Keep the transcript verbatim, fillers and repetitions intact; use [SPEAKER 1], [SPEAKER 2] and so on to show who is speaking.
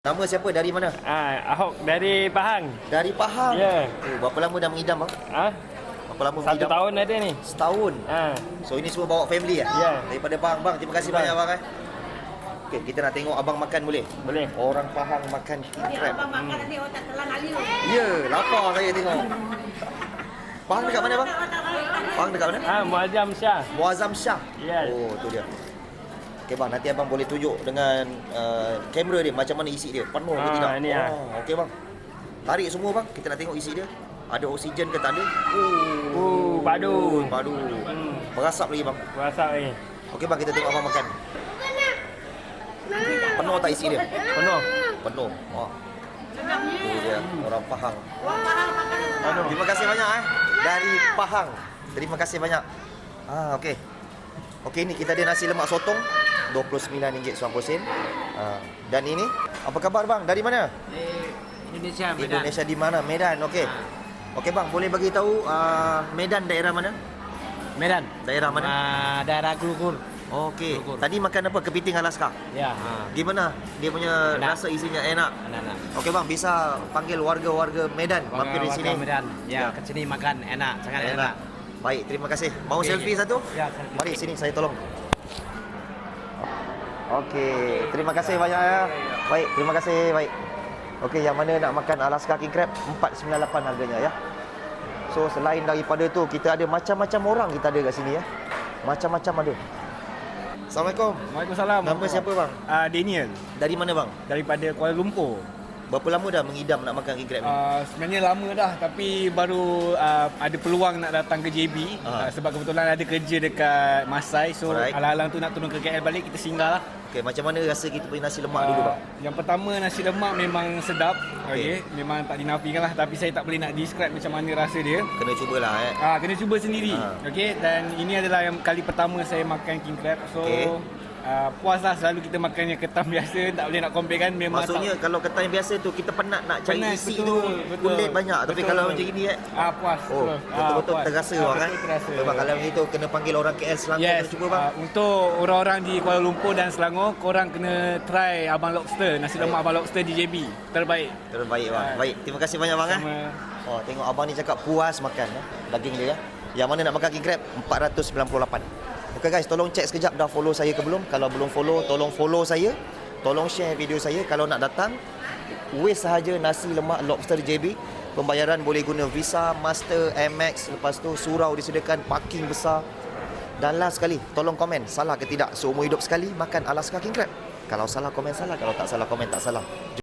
[SPEAKER 1] Nama siapa? Dari mana?
[SPEAKER 2] Ah, Ahok dari Pahang.
[SPEAKER 1] Dari Pahang?
[SPEAKER 2] Ya.
[SPEAKER 1] Oh, berapa lama dah mengidam bang?
[SPEAKER 2] Ah,
[SPEAKER 1] Berapa lama
[SPEAKER 2] satu
[SPEAKER 1] mengidam?
[SPEAKER 2] tahun ada ni.
[SPEAKER 1] Setahun?
[SPEAKER 2] Ah,
[SPEAKER 1] So ini semua bawa family ya?
[SPEAKER 2] Ya.
[SPEAKER 1] Daripada bang, bang terima kasih
[SPEAKER 2] Bang.
[SPEAKER 1] banyak bang eh. Okey, kita nak tengok abang makan boleh?
[SPEAKER 2] boleh.
[SPEAKER 1] Orang Pahang makan king crab.
[SPEAKER 3] Abang makan nanti otak telan alih.
[SPEAKER 1] Ya, lapar saya tengok. Pahang dekat mana bang? Pahang dekat mana?
[SPEAKER 2] Ah, Muazzam Shah.
[SPEAKER 1] Muazzam Shah.
[SPEAKER 2] Yes.
[SPEAKER 1] Oh, tu dia. Okey bang, nanti abang boleh tunjuk dengan uh, kamera dia macam mana isi dia. Penuh ke
[SPEAKER 2] Ah,
[SPEAKER 1] tidak?
[SPEAKER 2] ni ah.
[SPEAKER 1] Oh, okey bang. Tarik semua bang, kita nak tengok isi dia. Ada oksigen ke tak ada?
[SPEAKER 2] Oh, padu.
[SPEAKER 1] Padu.
[SPEAKER 2] Hmm,
[SPEAKER 1] Berasap lagi bang.
[SPEAKER 2] rasa ni.
[SPEAKER 1] Okey bang, kita tengok abang makan. Penuh tak isi dia?
[SPEAKER 2] Penuh.
[SPEAKER 1] Penuh. Oh. Tu dia, orang Pahang.
[SPEAKER 2] Padu.
[SPEAKER 1] Terima kasih banyak eh. Dari Pahang. Terima kasih banyak. Ah, okey. Okey, ni kita ada nasi lemak sotong dua puluh sembilan ringgit sembilan puluh sen. Ah, dan ini apa khabar bang? Dari mana?
[SPEAKER 3] Indonesia,
[SPEAKER 1] Indonesia di mana? Medan. Okey. Okey bang, boleh bagi tahu uh, Medan daerah mana?
[SPEAKER 3] Medan.
[SPEAKER 1] Daerah mana?
[SPEAKER 3] Ah, daerah Kulkur.
[SPEAKER 1] Okey.
[SPEAKER 3] Kulkur.
[SPEAKER 1] Tadi makan apa? Kepiting Alaska.
[SPEAKER 3] Ya. Ha.
[SPEAKER 1] Gimana? Dia punya
[SPEAKER 3] Enak.
[SPEAKER 1] rasa isinya enak.
[SPEAKER 3] Anak-anak.
[SPEAKER 1] Okey bang, bisa panggil warga-warga Medan mampir di sini.
[SPEAKER 3] Medan.
[SPEAKER 1] Ya.
[SPEAKER 3] Ya, ke sini makan enak, sangat enak.
[SPEAKER 1] Enak. Baik, terima kasih. Mau
[SPEAKER 3] Okey.
[SPEAKER 1] selfie satu?
[SPEAKER 3] Ya, selfie.
[SPEAKER 1] Mari sini saya tolong. Okey, terima kasih banyak ya. Baik, terima kasih. Baik. Okey, yang mana nak makan Alaska King Crab empat sembilan lapan harganya ya. So selain daripada tu kita ada macam-macam orang kita ada kat sini ya. Macam-macam ada. Assalamualaikum.
[SPEAKER 2] Waalaikumsalam.
[SPEAKER 1] Nama siapa bang?
[SPEAKER 2] Ah, Daniel
[SPEAKER 1] Dari mana bang?
[SPEAKER 2] daripada Kuala Lumpur.
[SPEAKER 1] Berapa lama dah mengidam nak makan king crab ni?
[SPEAKER 2] Uh, sebenarnya lama dah tapi baru uh, ada peluang nak datang ke J B
[SPEAKER 1] Ah.
[SPEAKER 2] uh, sebab kebetulan ada kerja dekat Masai, so
[SPEAKER 1] Alright.
[SPEAKER 2] alang-alang tu nak turun ke K L balik, kita singgah lah.
[SPEAKER 1] Okey, macam mana rasa kita punya nasi lemak dulu bang?
[SPEAKER 2] Yang pertama, nasi lemak memang sedap.
[SPEAKER 1] Okey.
[SPEAKER 2] Okey, memang tak dinafikan lah, tapi saya tak boleh nak describe macam mana rasa dia.
[SPEAKER 1] Kena cubalah eh.
[SPEAKER 2] Ah, kena cuba sendiri.
[SPEAKER 1] Ah.
[SPEAKER 2] Okey, dan ini adalah yang kali pertama saya makan king crab. So
[SPEAKER 1] Okey.
[SPEAKER 2] uh, puas lah. Selalu kita makan yang ketam biasa, tak boleh nak compare kan. Memang
[SPEAKER 1] Maksudnya
[SPEAKER 2] tak,
[SPEAKER 1] kalau ketan biasa tu kita penat nak cari
[SPEAKER 2] Penat,
[SPEAKER 1] isi
[SPEAKER 2] betul,
[SPEAKER 1] tu
[SPEAKER 2] betul,
[SPEAKER 1] kulit banyak, tapi
[SPEAKER 2] betul.
[SPEAKER 1] kalau macam gini eh
[SPEAKER 2] ah, puas.
[SPEAKER 1] oh
[SPEAKER 2] betul.
[SPEAKER 1] betul-betul
[SPEAKER 2] Ah, puas.
[SPEAKER 1] terasa
[SPEAKER 2] Ah,
[SPEAKER 1] bang kan.
[SPEAKER 2] betul terasa.
[SPEAKER 1] Sebab kalau macam itu kena panggil orang K L Selangor
[SPEAKER 2] Yes,
[SPEAKER 1] kena cuba bang.
[SPEAKER 2] uh, untuk orang-orang di Kuala Lumpur dan Selangor, korang kena try Abang Lobster, nasi lemak Abang Lobster di J B. Terbaik.
[SPEAKER 1] Terbaik bang.
[SPEAKER 2] Ah.
[SPEAKER 1] Baik, terima kasih banyak bang eh.
[SPEAKER 2] Sama.
[SPEAKER 1] Oh, tengok abang ni cakap puas makan eh, daging dia ya. Yang mana nak makan king crab empat ratus sembilan puluh lapan. Okey guys, tolong cek sekejap dah follow saya ke belum. Kalau belum follow, tolong follow saya. Tolong share video saya. Kalau nak datang, waste sahaja nasi lemak lobster J B. Pembayaran boleh guna Visa, Master, Amex. Lepas tu surau disediakan, parking besar. Dan last sekali, tolong komen salah ke tidak seumur hidup sekali makan Alaska King Crab. Kalau salah komen salah, kalau tak salah komen tak salah.